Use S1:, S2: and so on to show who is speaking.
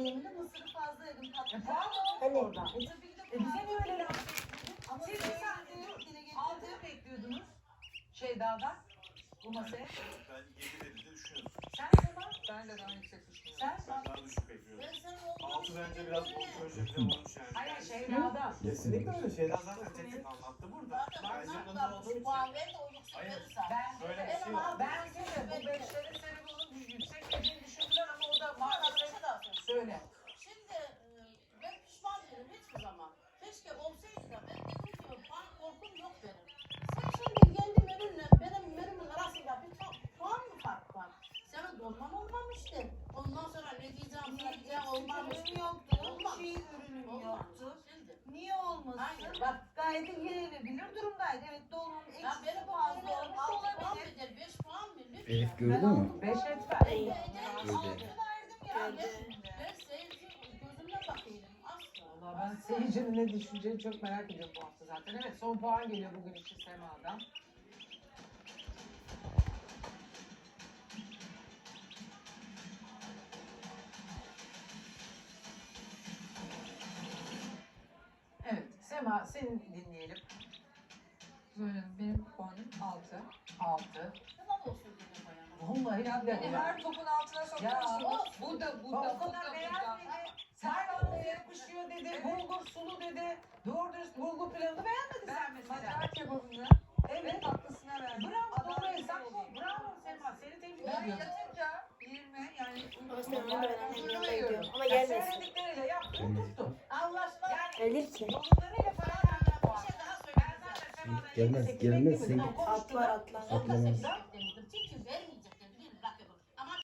S1: yemeğimde mısırı fazla yedim.
S2: Puan mı orada? Bize niye öyle laf?
S1: Ama
S2: Siz bir saniye altını bekliyordunuz Şeyda'dan bu masaya.
S3: Ben 7 verir diye düşünüyorum.
S2: Sen Sema?
S4: Ben de daha yüksek düşünüyorum.
S2: Sen?
S3: Ben daha düşük bekliyorum.
S1: Ben senin olduğunu
S3: 6 bence biraz proje olmuş yani.
S2: Hayır Şeyda'dan.
S3: Kesinlikle öyle. Şeyden zaten tek tek anlattı burada. Bence bundan olduğu için.
S1: puan ver de o yüksek
S3: Hayır.
S1: verirsen.
S3: Böyle bir şey var.
S2: Bence de bu beşlerin serumunu yüksek dediğini düşündüler ama o da maalesef söyle.
S1: Şimdi ben pişman değilim hiçbir zaman. Keşke olsaydı da ben dedim ki puan korkum yok benim. Sen şimdi kendi menünle benim menümün arasında bir puan mı fark var? Senin dolman olmamıştı. Ondan sonra ne diyeceğim, ne diyeceğim olmamıştı.
S5: Yoktu.
S1: Olmaz.
S5: Çiğ ürünüm
S1: Olmaz.
S5: yoktu.
S1: Şimdi.
S5: Niye olmasın?
S1: Hayır.
S5: Bak gayet yenilebilir durumdaydı. Evet dolmanın
S1: Ya
S5: eksisi
S1: benim bu
S5: fazla
S1: menülerim
S5: olmuş
S1: 6 puan
S5: olabilir.
S1: midir, 5 puan mı? Lütfen.
S6: Elif gördü mü?
S2: 5 etmez.
S1: Ya ben seyirci gözümle bakıyorum asla.
S2: Valla ben seyircinin ne düşüneceğini çok merak ediyorum bu hafta zaten. Evet son puan geliyor bugün için Sema'dan. Evet Sema seni dinleyelim.
S4: Böyle benim puanım 6.
S2: 6.
S1: Tamam olsun dedim bayan.
S2: Vallahi
S4: Ya
S2: billahi
S4: beni
S2: ya.
S4: her topun altına sokuyorsunuz. Burada,
S2: O
S4: burada,
S2: kadar beğenmedi. Serkan'la yapışıyor dedi. Bulgur sulu dedi. Doğru dürüst bulgur pilavını beğenmedin sen
S4: Ben
S2: mesela.
S4: macar kebabını
S2: Evet.
S4: tatlısına verdim.
S2: Bravo doğru
S4: Adaletli
S2: hesap bu.
S4: olayım.
S2: Bravo Sema seni tebrik
S4: Ben
S2: ediyorum.
S4: yatınca 20 yani
S7: Ama sen onu öğrenmen
S4: huzurlu
S7: yanına
S4: veriyorum.
S7: gidiyorum. Ama
S2: Ya
S7: gelmesin.
S2: söyledikleriyle yaptın tuttu.
S1: Allah aşkına
S2: Yani
S7: Gelir ki.
S2: yorumlarıyla falan vermem
S1: bir
S2: puan.
S1: şey daha
S2: Ben
S1: söyleyeceğim.
S2: zaten Sema'dan
S6: Gelmez,
S2: 7-8
S6: gelmez.
S2: beklemiyordum.
S6: Sen-
S2: Konuştular.
S7: Atlar atlar.
S6: Atlamaz.
S2: Ben